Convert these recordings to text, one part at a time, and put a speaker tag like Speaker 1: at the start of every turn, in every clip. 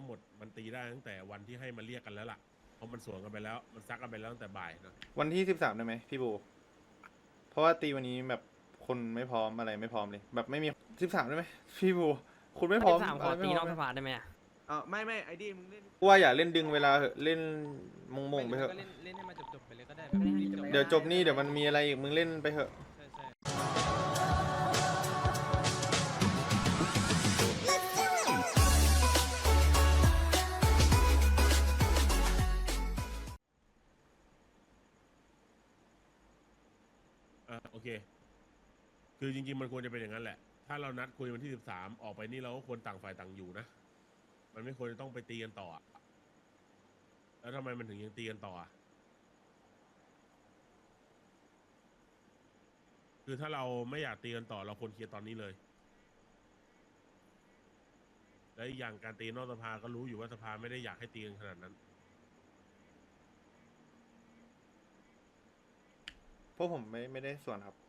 Speaker 1: หมดมันตีได้ตั้งแต่วันที่ให้มาเรียกกันแล้วล่ะเพราะมันสวนกันไปแล้วมันซักกันไปแล้วตั้งแต่บ่ายเนอะ
Speaker 2: วันที่13ได้ไหมพี่บูเพราะว่าตีวันนี้แบบคนไม่พร้อมอะไรไม่พร้อมเลยแบบไม่มี13ได้ไหมพี่บูคุณไม่พร้อม
Speaker 3: 13ข
Speaker 2: อะไรไม่
Speaker 3: อตีนอก
Speaker 2: พร้อมเลย
Speaker 3: สภาได้ไหมอะ
Speaker 4: ไม่ไอดีมึงเล่น
Speaker 2: ว่าอย่าเล่นดึงเวลาเหอะเล่นมงๆไปเถอะ
Speaker 5: ก็เล่นให้มันจบไปเลยก็ได้
Speaker 3: ไม่ได้ให้จบ
Speaker 2: เดี๋ยวจบนี่เดี๋ยวมันมีอะไรอีกมึงเล่นไปเถอะ
Speaker 5: ใช่
Speaker 1: โอเคคือจริงๆมันควรจะเป็นอย่างนั้นแหละถ้าเรานัดคุยวันที่13ออกไปนี่เราก็ควรต่างฝ่ายต่างอยู่นะมันไม่ควรจะต้องไปตีกันต่ออะแล้วทำไมมันถึงยังตีกันต่ออะคือถ้าเราไม่อยากตีกันต่อเราควรเคลียร์ตอนนี้เลยและอีกอย่างการตีนอกสภาก็รู้อยู่ว่าสภาไม่ได้อยากให้ตีกันขนาดนั้น
Speaker 2: เพราะผมไม่ได้ส่วนครับ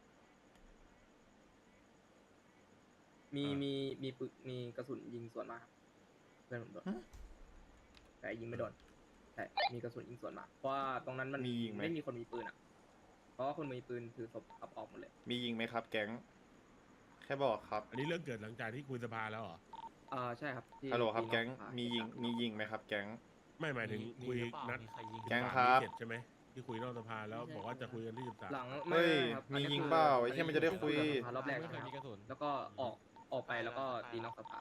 Speaker 6: มีกระสุนยิงสวนมาครับเพื่อนผมโดน
Speaker 2: ฮะ
Speaker 6: แต่ยิงไม่โดนแต่มีกระสุนยิงสวนมาเพราะว่าตรงนั้นมัน
Speaker 2: มียิงไหม
Speaker 6: ไม่มีคนมีปืนอ่ะ เพราะว่าคนมีปืนถือศพขับออกหมดเลย
Speaker 2: มียิงไหมครับ แก๊งแค่บอกครับ
Speaker 1: อันนี้เรื่องเกิดหลังจากที่คุยสภาแล้วเหรอ
Speaker 6: ใช่ครับที่
Speaker 2: ฮัลโหลครับ
Speaker 6: ที่
Speaker 2: แก๊ง
Speaker 6: นอกสภา
Speaker 2: มียิงไหมครับ แก๊ง
Speaker 1: ไม่หมายถึงคุยนัด
Speaker 2: แก๊งครับ
Speaker 1: เสร็จใช่ไหมที่คุยนอกสภาแล้วบอกว่าจะคุยกันที่13
Speaker 6: หลัง
Speaker 2: เฮ้ย
Speaker 6: ครับ
Speaker 2: มี
Speaker 6: อันนี้
Speaker 2: ยิง
Speaker 6: คือ
Speaker 2: เปล่าไอ้เหี้ยมันจะได้คุย
Speaker 6: สภารอบแรก
Speaker 5: ไม่
Speaker 6: ใช่
Speaker 5: เค
Speaker 6: ไหม
Speaker 5: ยมีกระสุน
Speaker 6: แล้วก็ออกไปแล้วก็ตีนอกสภา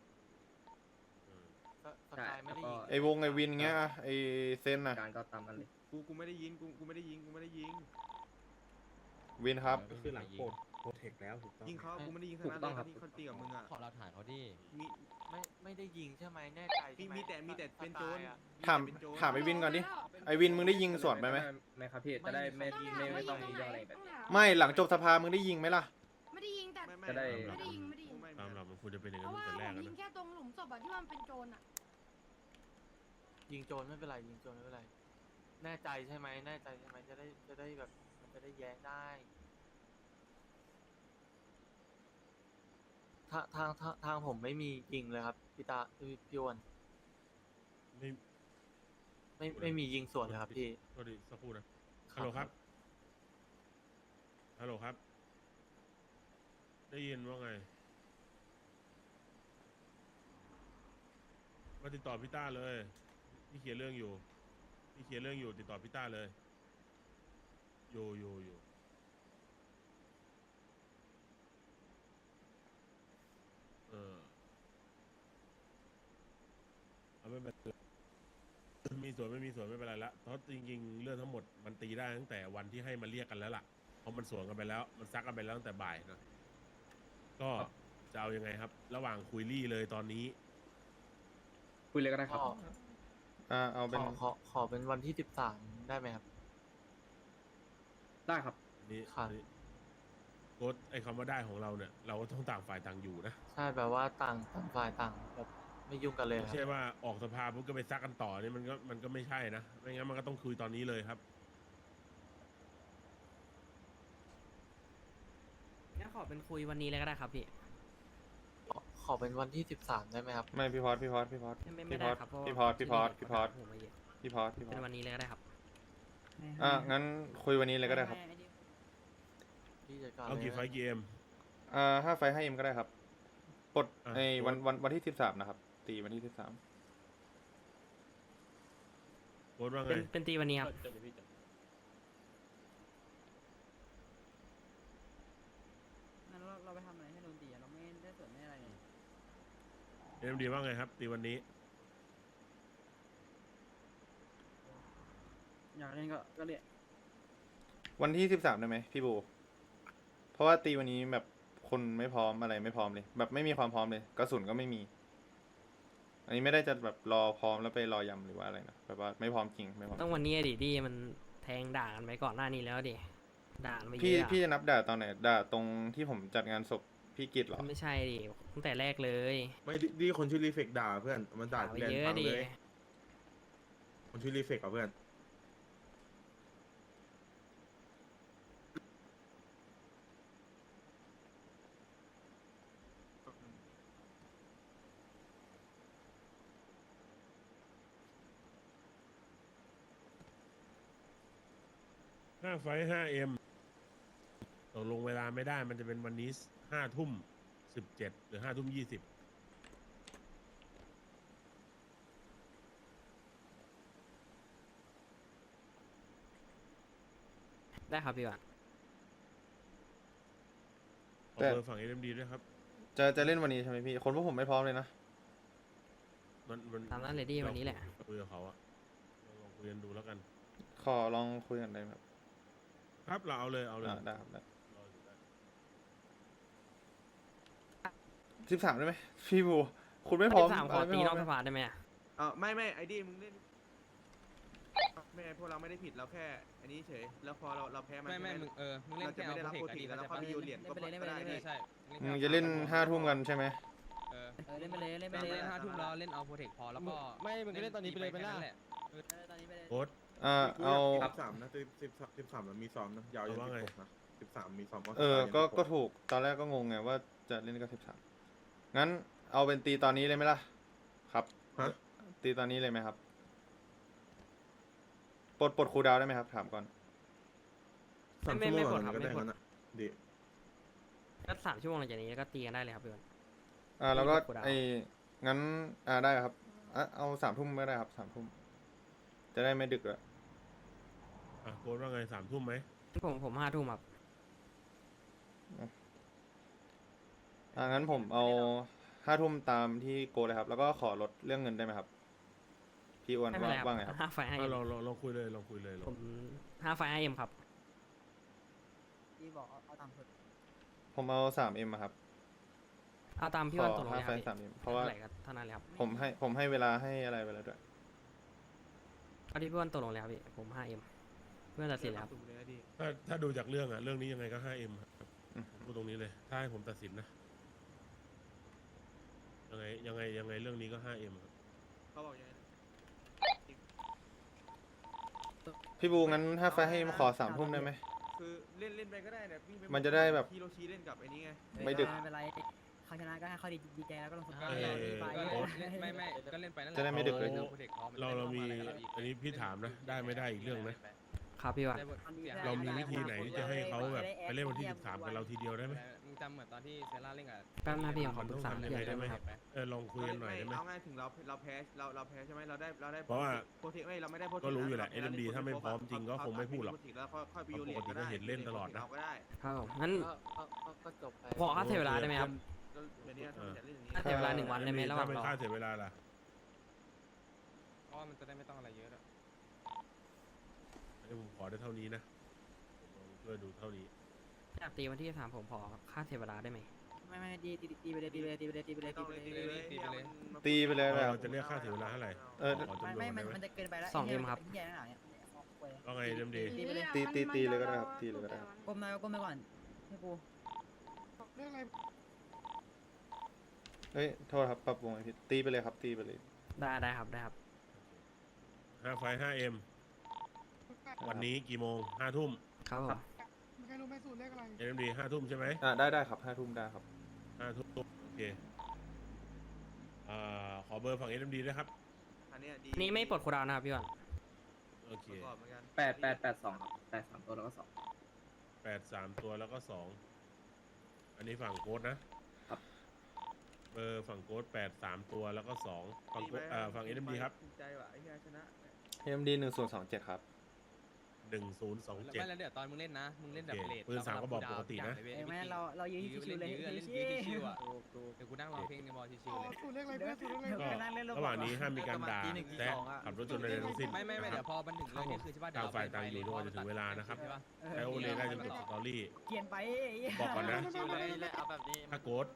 Speaker 5: สกายไม่ได้ยิง
Speaker 2: ไอ้วงไอ้วินเงี้ยอะไอ้เซนน่ะ
Speaker 6: การก็ตามกันเลย
Speaker 4: กูไม่ได้ยิงกูไม่ได้ยิงกูไม่ได้ยิง
Speaker 2: วินครับ
Speaker 1: คือหลังโปรเทคแล้วถูกต้อง
Speaker 4: ยิงเขากูไม่ได้ยิง
Speaker 6: ถูกต้องครับ
Speaker 4: ที่เขาตีกับมึงอ่ะ
Speaker 5: ขอเราถ่ายเขาดิ
Speaker 4: มี
Speaker 5: ไม่ได้ยิงใช่ไหมแน่ใจ
Speaker 4: มีแต่เป็นโจร
Speaker 2: ถามถามไอ้วินก่อนดิ ไอ้วินมึงได้ยิงสวนไปไหม
Speaker 6: ไม่ครับพี่จะได้ไม่ต้องมีเรื่องอะไรแบบนี้
Speaker 2: ไม่หลังจบสภามึงได้ยิงไหมล่ะ
Speaker 7: ไม่ได้ยิงแต่
Speaker 6: จะได้
Speaker 7: ไม่ได้ยิงไม่ได้ยิง
Speaker 1: ตามหลักมันควรจะเป็นอย่าง
Speaker 7: เพ
Speaker 1: นั้น
Speaker 7: ราะว่า
Speaker 1: ตั้งแต่แร
Speaker 7: ผ
Speaker 1: ก
Speaker 7: ม
Speaker 1: แล้ว
Speaker 7: ยิง
Speaker 1: นะ
Speaker 7: แค่ตรงหลุมศพอะที่ว่ามันเป็นโจรอะ
Speaker 5: ยิงโจรไม่เป็นไรยิงโจรไม่เป็นไร แน่ใจใช่ไหมแน่ใจใช่ไหมจะได้แบบมันจะได้แย้งได้ทางผมไม่มียิงเลยครับพี่ตาพี่อ้วน
Speaker 1: ไม่
Speaker 5: ไม่มียิงสวนเลยครับพี่
Speaker 1: โทษดีสักครู่นะฮัลโหลครับฮัลโหลครับ ได้ยินว่าไงมาติดต่อพี่ต้าเลยพี่เคลียร์เรื่องอยู่ติดต่อพี่ต้าเลยอยู่เอาไม่เป็นไรมีส่วนไม่มีส่วนไม่เป็นไรละเพราะจริงๆเรื่องทั้งหมดมันตีได้ตั้งแต่วันที่ให้มาเรียกกันแล้วล่ะเพราะมันสวนกันไปแล้วมันซักกันไปแล้วตั้งแต่บ่ายเนอะก็จะเอายังไงครับ ระหว่างคุยรี่เลยตอนนี้
Speaker 6: คุยเลยก็ได้ครับ
Speaker 2: เอาเป็น
Speaker 5: ขอเป็นวันที่13ได้ไหมครับ
Speaker 6: ได้ครับ
Speaker 1: นี่
Speaker 5: ครับ
Speaker 1: นี่โค้ดไอ้คำว่าได้ของเราเนี่ย เราก็ต้องต่างฝ่ายต่างอยู่นะ
Speaker 5: ใช่แบบว่าต่างฝ่ายต่างแบบไม่ยุ่งกันเลยค
Speaker 1: ไม่
Speaker 5: รับ
Speaker 1: ใช่ว่าออกสภาปุ๊บก็ไปซักกันต่อนี่มันก็ไม่ใช่นะ ไม่งั้นมันก็ต้องคุยตอนนี้เลยครับ
Speaker 3: งั้นขอเป็นคุยวันนี้เลยก็ได้ครับพี่
Speaker 5: ขอเป็นวันที่13ได้ไหมครับ
Speaker 2: ไม่พี่พอด
Speaker 3: ไม่ได้ครับเพราะว่า
Speaker 2: พี่พอด
Speaker 3: ผมมาเยอะ
Speaker 2: เป็น
Speaker 3: วันนี้เลยก็ได้ครับ
Speaker 2: งั้นคุยวันนี้เลยก็ได้ครับ
Speaker 5: พี่จัดการ
Speaker 1: เอากี่
Speaker 5: ลย
Speaker 1: ไฟล์กี่เอ็ม
Speaker 2: 5 ไฟให้เอ็มก็ได้ครับปลด
Speaker 1: อ่ะ
Speaker 2: ไอ้
Speaker 1: โค้ด
Speaker 2: วันที่13นะครับ ตีวันที่13
Speaker 1: โค้ดว่าไง
Speaker 3: เป็นตีวันนี้ครับ
Speaker 8: งั้นเราไปทำอะไรให้โดนตีอะเราไม่ได้ส่วนไม่อะไรเลย
Speaker 1: เอ็มดีว่าไงครับตีวันนี้
Speaker 8: อยากเล่นก็เล่น
Speaker 2: วันที่13ได้ไหมพี่บูเพราะว่าตีวันนี้แบบคนไม่พร้อมอะไรไม่พร้อมเลย แบบไม่มีความพร้อมเลยกระสุนก็ไม่มี อันนี้ไม่ได้จะแบบรอพร้อมแล้วไปรอยำหรือว่าอะไรนะแบบว่าไม่พร้อมจริงไม่พร้อม
Speaker 3: ต้องวันนี้ดิที่มันแทงด่ากันไปก่อนหน้านี้แล้วดิด่ากันไปเย
Speaker 2: พี่
Speaker 3: อะอะ
Speaker 2: พี่จะนับด่าตอนไหนด่าตรงที่ผมจัดงานศพพี่กิตเหรอ
Speaker 3: ไม่ใช่ดิตั้งแต่แรกเลย
Speaker 9: ไม่ดีคนชื่อรีเฟกด่าเพื่อนมันด่า
Speaker 3: ด่าไป
Speaker 9: แรง
Speaker 3: เย
Speaker 9: ฟั
Speaker 3: อะ
Speaker 9: ง
Speaker 3: ดิ
Speaker 9: เลยคนชื่อรีเฟกกับเพื่อน
Speaker 1: 5 ไฟท์ 5M ตกลงเวลาไม่ได้มันจะเป็นวันนี้5 ทุ่ม 17 หรือ 5 ทุ่ม 20
Speaker 3: ได้ครับพี่วัน
Speaker 1: ขอเบอร์ฝั่ง SMD ด้วยครับ
Speaker 2: จะเล่นวันนี้ใช่ไหมพี่ คนพวกผมไม่พร้อมเลยนะ
Speaker 1: มัน
Speaker 3: ตามนั้นเลยดีวันนี้แหละ
Speaker 1: คุยกับเขาอะลองคุยกันดูแล้วกัน
Speaker 2: ขอลองคุยกันได้ไหมครับ
Speaker 1: ครับเราเอาเลยเอาเลย
Speaker 2: ได้ครับได้
Speaker 1: รออยู่ได้
Speaker 2: 13ได้ไหมพี่บู คุณไม่พร้อม
Speaker 3: สามขอ
Speaker 2: อะไร
Speaker 3: ตี
Speaker 2: ไม่
Speaker 3: น
Speaker 2: พร้
Speaker 3: อ
Speaker 2: อก ม
Speaker 3: สภาได้ไหมอะ
Speaker 4: ไม่ไอ้ดิมึงเล่นไม่พวกเราไม่ได้ผิดเราแค่ อันนี้เฉยแล้วพอเราแพ้มัน
Speaker 6: ไม่
Speaker 4: ใช่ห
Speaker 6: มึงมึงเล่น
Speaker 4: เราจะ
Speaker 6: แค่
Speaker 4: ไม่
Speaker 6: เอา
Speaker 4: ได้
Speaker 6: โป
Speaker 4: รับ
Speaker 6: รเทค
Speaker 4: โปร
Speaker 6: อะ
Speaker 4: ตี
Speaker 6: ดี
Speaker 4: แล้ว
Speaker 6: เข้า
Speaker 4: เขา
Speaker 6: ใจ
Speaker 4: มี
Speaker 6: ปะ
Speaker 4: โยนเหรียญก็ได้
Speaker 6: ใช่
Speaker 2: มึงจะเล่น5 ทุ่มกันใช่ไหม
Speaker 6: เออ
Speaker 8: เล่นไปเลยเล่นไปเลย
Speaker 6: เล่น5 ทุ่มแล้วเล่นเอาโปรเทคพอแล้วก็
Speaker 5: ไม่มึงก็เล่นตอนนี้ไปเลยไปล่ะ
Speaker 6: แหละ
Speaker 8: ตอนนี้ไปเลย
Speaker 1: โค้ด
Speaker 2: เอา
Speaker 9: 13นะ13มันมีซ้อมนะยาวยัน
Speaker 1: เอาว่าไง
Speaker 9: 16นะ13มีซ้อม
Speaker 2: ก็ถูก ตอนแรกก็งงไงว่าจะเล่นกับ13งั้นเอาเป็นตีตอนนี้เลยไหมล่ะ ครับ
Speaker 9: ฮะ
Speaker 2: ตีตอนนี้เลยไหมครับ ปลดครูดาวได้ไหมครับ ถามก่อน
Speaker 9: 3 ชั่วโมงก่อนก็ได้งั้นอะดี
Speaker 3: ก็3 ชั่วโมงหลังจากนี้ก็ตีกันได้เลยครับพี่วัน
Speaker 2: แล้วก็
Speaker 3: ปลดครูดาว
Speaker 2: งั้นได้ครับเอา3 ทุ่มก็ได้ครับ3 ทุ่ม จะได้ไม่ดึกอะ
Speaker 1: อ่ะโค้ดว่าไง3 ทุ่มไหม
Speaker 3: ผม5 ทุ่มครับ
Speaker 2: งั้นผมเอา5 ทุ่มตามที่โกเลยครับ แล้วก็ขอลดเรื่องเงินได้ไหมครับ พี่อ้วน
Speaker 3: ไม่เป็นไรครับ
Speaker 2: ว่าไงครับ
Speaker 3: 5 ไฟ
Speaker 1: อ่ะ
Speaker 3: 5M
Speaker 1: ลองคุยเลยลองคุยเลยลอง
Speaker 3: ผม5 ไฟ 5M ครับ
Speaker 8: พี่บอกเอาตามสุด
Speaker 2: ผมเอา3M อะครับ
Speaker 3: เอาตามพี่
Speaker 2: ข
Speaker 3: วั
Speaker 2: อน
Speaker 3: ตกลงเลยค
Speaker 2: 5 ไฟ
Speaker 3: รับ
Speaker 2: 3M เพราะว่า
Speaker 3: ท่ไหก็เท่านั้นเลยครับ
Speaker 2: ผมให้เวลาให้อะไรไปแล้วด้วย
Speaker 3: เอาที่พี่วันตกลงเลยครับพี่ผม 5M เพื่อนตัดสินเลยครับ
Speaker 4: ถูกเลยนะดิ
Speaker 1: ถ้าดูจากเรื่องอะเรื่องนี้ยังไงก็ 5M ครับ
Speaker 2: อืม
Speaker 1: ผมพูดตรงนี้เลย ถ้าให้ผมตัดสินนะ ยังไงเรื่องนี้ก็ 5M ครับ
Speaker 4: เขาบอกยังไงนะ
Speaker 2: พี่บูงั้น5 ไฟให้ขอ3 ทุ่มได้ไหม
Speaker 4: คือเล่นไปก็ได้เนี่ยวิ่งไป
Speaker 2: มันจะได้แบบ
Speaker 4: ฮิโรชิเล่นกับไอ้นี่ไง
Speaker 2: ไม่ดึก
Speaker 8: ไม่เป็นไรเขาชนะก็ให้เขาดีใจแล้วก็ลงสกอร์
Speaker 1: เอ่อ
Speaker 8: ไป
Speaker 6: ก็เล่นไปนั่นแหละ
Speaker 2: จะได้ไม่ดึกเลย
Speaker 6: โปรเทคพอ
Speaker 1: เรามีอันนี้พี่ถามนะ ได้ไม่ได้อีกเรื่องนะ
Speaker 3: ครับพี่วัน
Speaker 1: เรามีวิธีไหนที่จะให้เขาแบบไปเล่นวันที่ 13 กับเราทีเดียวได้ไหม
Speaker 6: มึงจำเหมือนตอนที่เซร่าเล่นกับ
Speaker 3: แป๊บนะพี่ผมขอ
Speaker 1: มัน
Speaker 3: ปรึ
Speaker 1: ต้
Speaker 3: ก
Speaker 1: อง
Speaker 3: ษา
Speaker 1: ทำยั
Speaker 3: พี่
Speaker 1: งไง
Speaker 3: วัน
Speaker 1: ได้
Speaker 3: ได้
Speaker 1: ไห
Speaker 3: ไห
Speaker 1: ม
Speaker 3: มครับ
Speaker 1: ลองคุยกันหน่อยได้ไหม
Speaker 4: เอาง่ายถึงเราแพ้เราแพ้ใช่ไหมเราได้
Speaker 1: เพราะว่า
Speaker 4: โปรเทคไม่เราไม่ได้โปรเทค
Speaker 1: ก็รู้อยู่แหละ
Speaker 4: เา
Speaker 1: SMD ถ้าไม่พร้อมจริงก็คงไม่พูดหรอก
Speaker 4: แล้วค่อยไปโยนเหรียญ
Speaker 1: ปกติก็เห็นเล่นตลอดนะ
Speaker 4: ก็ได้
Speaker 3: ครับผมงั้น
Speaker 5: ก็จบไป
Speaker 3: ขอค่าเสียเวลาได้ไหมครับ
Speaker 4: ก็เดี๋ยวนี้ถ้ามันจะเล่นอย่างนี้
Speaker 3: ค่าเสียเวลา1 วันได้ไหมระหว่าง
Speaker 1: ถ้าเป็น
Speaker 3: รอ
Speaker 1: ค่าเสียเวลาล่ะ
Speaker 6: เพราะว่ามันจะได้ไม่ต้องอะไรเยอะอะ
Speaker 1: ให้ผมขอได้เท่านี้นะลองช่วยดูเท่านี้
Speaker 3: อยากตีวันที่3ผมขอค่าเสียเวลาได้ไหม
Speaker 8: ไม่ตีไปเลยตีไปเลยตีไปเลยตีไปเลย
Speaker 4: ต้
Speaker 8: ตี
Speaker 4: อง
Speaker 8: ไป
Speaker 4: เลย
Speaker 8: เลย
Speaker 4: ตีไปเลย
Speaker 2: ตีไปเลยแบบ
Speaker 1: เราจะเรียกค่าเสียเวลาเท่าไหร่ ขอจำนวน
Speaker 8: ไม่
Speaker 1: ได้ไหม
Speaker 8: มันจะเกินไปแล้ว
Speaker 3: 2M ครับ
Speaker 8: แย่หนาเนี่ย
Speaker 1: ว่าไงเดมดี
Speaker 8: ตีไปเลย
Speaker 2: ตีเลยก็ได้ครับตีเลยก็ได้ครับ
Speaker 8: ก้มหน้าก้มไปก่อนพี่ปู
Speaker 7: เรื่องอะไร
Speaker 2: เฮ้ย โทษครับปรับวงไอพี่ตีไปเลยครับ ตีไปเลย
Speaker 3: ได้ครับได้ครับ
Speaker 1: 5 ไฟ 5M วันนี้กี่โมง5 ทุ่ม
Speaker 3: ครับผม
Speaker 7: มีใครรู้ไหมสูตรเลขอะไร
Speaker 1: SMD 5 ทุ่มใช่ไหม
Speaker 2: ได้ครับ5 ทุ่มได้ครับ
Speaker 1: 5 ทุ่มโอเคขอเบอร์ฝั่ง SMD ด้วยครับ
Speaker 4: อันเนี้ยดี
Speaker 3: นี่ไม่ปลดคูลดาวน์นะครับพี่วัน
Speaker 1: โอเค
Speaker 4: ประกอบเหมือนกัน
Speaker 6: 882ครับ83ตัวแล้วก็2
Speaker 1: 8 3 ตัวแล้วก็ 2 อันนี้ฝั่งโค้ดนะ เบอร์ฝั่งโค้ด8 3 ตัวแล้วก็ 2 ฝั่งโค้ดฝั่ง SMD ครับ
Speaker 4: ภูมิใจว่ะไอ้เหี้ยชนะ
Speaker 2: AMD 1027 ครับ
Speaker 1: 1027
Speaker 6: ไม่แล้วเดี๋ยวตอนมึงเล่นนะ มึงเล่นแบบ
Speaker 1: โอเค
Speaker 6: เลท
Speaker 1: ปืนสามกระบอกปกตินะ
Speaker 8: แม่เรายืนชิวๆเลย
Speaker 6: เล่น
Speaker 8: ชิ
Speaker 6: ยืน
Speaker 8: ว
Speaker 6: ชิวๆอ่ะเดี๋ยวกูนั่งร้องเพลงในบอลชิวๆเลย
Speaker 7: สูตรเลขอะไรเพื่อนสูตรเลขอะไร
Speaker 1: ก็
Speaker 8: นั่งเล่น
Speaker 1: ระหว่างนี้ห้ามมีการด่าแซะขับรถจนใดๆทั้งสิ้น
Speaker 6: ไม่
Speaker 1: นะค
Speaker 6: เดี๋
Speaker 1: รั
Speaker 6: ย
Speaker 1: บ
Speaker 6: วพอมันถึงเลยเนี่ยคือใช่ป่ะ
Speaker 1: ต่างฝ่ายต่างอยู่จนกว่าจะถึงเวลานะครับ ใช้โอเลได้จนจบสตอรี่
Speaker 8: เกียนไป
Speaker 1: บอกก่อนนะ
Speaker 5: ชิวเลยแหละเอาแบบนี้
Speaker 1: ถ้าโกด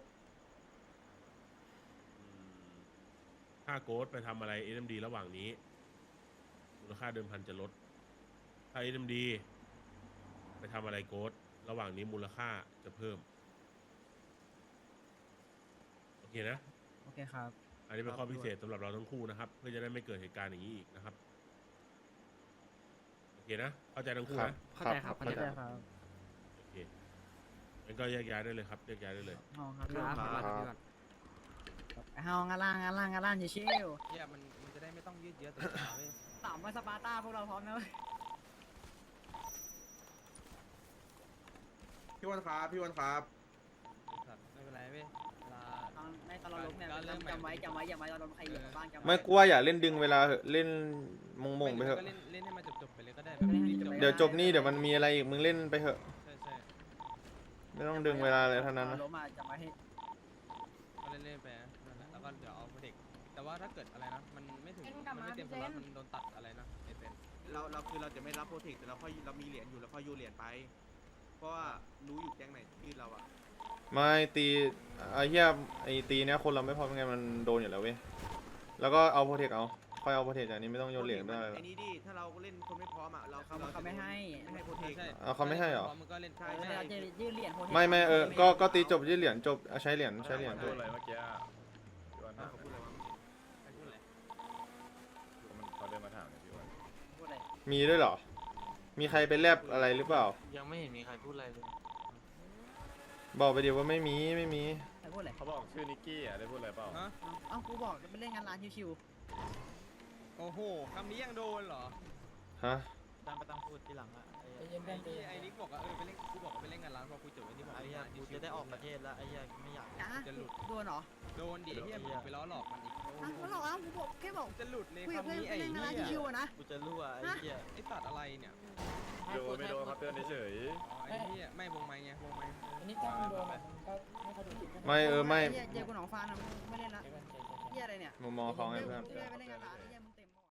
Speaker 1: ถ้าโกดไปทำอะไร SMD ระหว่างนี้มูลค่าเดิมพันจะลด ถ้า SMD ไปทำอะไรโกดระหว่างนี้มูลค่าจะเพิ่ม โอเคนะ
Speaker 8: โอเคครับ
Speaker 1: อันนี้เป็นข้อพิเศษสำหรับเราทั้งคู่นะครับ เพื่อจะได้ไม่เกิดเหตุการณ์อย่างนี้อีกนะครับ โอเคนะ เข้าใจทั้งคู่
Speaker 2: ครับ
Speaker 1: นะ
Speaker 3: เข้าใจครับเข้าใจ
Speaker 8: ครับ
Speaker 1: โอเคงั้นก็แยกย้ายได้เลยครับแยกย้ายได้เลย
Speaker 8: ห้องครับ
Speaker 3: ครับขอบคุณครับพี่วัน
Speaker 8: ห้องงานล่างชิว
Speaker 6: เนี่ยมันจะได้ไม่ต้องยืดเยอะตัวเว้ย
Speaker 8: ต่ำว่าสปาร์ต้าพวกเราพร้อมนะ
Speaker 9: พี่วันครับพี่วันครับ
Speaker 8: ไม่เป็นไรเว้ยเวลา
Speaker 10: ในตอนเราล้มเนี่ยจำไว้อย่ามาเราล้มใครเหยียบบ้างจำไว้
Speaker 2: ไม่กลัวอย่าเล่นดึงเวลาเหอะเล่นมงไปเถอะ
Speaker 8: ก็เล่นให้มันจบไปเลยก็ได้
Speaker 2: เดี๋ยวจบนี่เดี๋ยวมันมีอะไรอีกมึงเล่นไปเถอะ
Speaker 8: ใช่
Speaker 2: ไม่ต้องดึงเวลาเลยเท่านั้นนะ
Speaker 10: ล้มมาจำไว้ให้
Speaker 8: ก็เล่นไปนั่นแหละแล้วก็เดี๋ยวเอาเด็กแต่ว่าถ้าเกิดอะไรนะมันไม่ถึงมันไม่เต็มสล็อตมันโดนตัดอะไรนะไอเซน
Speaker 4: เราคือเราจะไม่รับโปรเทคแต่เรามีเหรียญอยู่เราค่อยยูเหรียญไป เพราะว่ารู้อยู่แก๊งไหนที่เราอะ
Speaker 2: ไม่ตีไอ้เหี้ยไอ้ตีเนี้ยคนเราไม่พอยังไงมันโดนอยู่แล้วเว้ยแล้วก็เอาโปรเทคเอาค่อยเอาโปรเทคจากนี้ไม่ต้องโยนเหรียญไม่ได้
Speaker 4: ไอ้นี่ดิถ้าเราเล่นคนไม่พร้อมอะเรา
Speaker 10: ไม่ให้
Speaker 4: ไม่ให้โปรเทค
Speaker 2: เอาเขาไม่ให้เหรอ
Speaker 8: มันก็เล่น
Speaker 4: ใช่
Speaker 10: เราจะยื่นเหรียญ
Speaker 2: ไม่ก็ตีจบยื่นเหรียญจบใช้เหรียญจบ
Speaker 4: พูดอะไรวะเขาพูดอะไรวะ
Speaker 8: พูดเลย
Speaker 9: เขาเดินมาถามเลยพี่วัน
Speaker 10: พูดอะไร
Speaker 2: มีด้วยเหรอ มีใครไปแลบอะไรหรือเปล่า
Speaker 5: ยังไม่เห็นมีใครพูดอะไรเลย
Speaker 2: บอกไปเดี๋ยวว่าไม่มี
Speaker 10: ใครพูดอะไร
Speaker 9: เขาบอกชื่อนิกกี้อ่ะได้พูดอะไรเปล่า
Speaker 8: ฮะ
Speaker 10: เอ้ากูบอกไปเล่นงานร้านชิว
Speaker 8: โอ้โหคำนี้ยังโดนเหรอ
Speaker 2: ฮะ
Speaker 5: ตามไปตั้งพูดทีหลังอะ
Speaker 8: ไอ้นิกบอกว่าไปเล่นกูบอกว่าไปเล่นงานร้านพอคุยจบไอ้นี่บอก
Speaker 5: ไอ้เหี้ยกูจะได้ออกประเทศแล้วไอ้เหี้ยไม่อยาก
Speaker 10: ๆจ้าโดนเหรอ
Speaker 8: โดนดิเฮียมึงไปล้อหลอกมันอีก
Speaker 10: เขาหลอกกูบอกแค่บอก
Speaker 8: จะหลุดเลย
Speaker 10: คุยกับ
Speaker 8: คำ
Speaker 10: เพื่อน
Speaker 8: นี้
Speaker 10: ไป
Speaker 8: ไอ้
Speaker 10: เล่นงานร้าน
Speaker 8: เหี้ย
Speaker 10: ชิวๆนะ
Speaker 5: กูจะรั่วไอ้เหี้ย
Speaker 8: ไอ้สัตว์อะไรเนี่ย
Speaker 9: โดนไม่โดนครับเตือนเฉย
Speaker 8: ไอ้เหี้ยไม่วงไม้ไงวงไม้
Speaker 10: อันนี้จ้างโดนก็ให้เขาดูจิต
Speaker 2: ไม่
Speaker 10: เจอกูหนองฟานไม่เล่นละเฮียอะไรเนี่ย
Speaker 2: มุมมองเขาไงเพื่อน
Speaker 10: ไปเล่นงานร้าน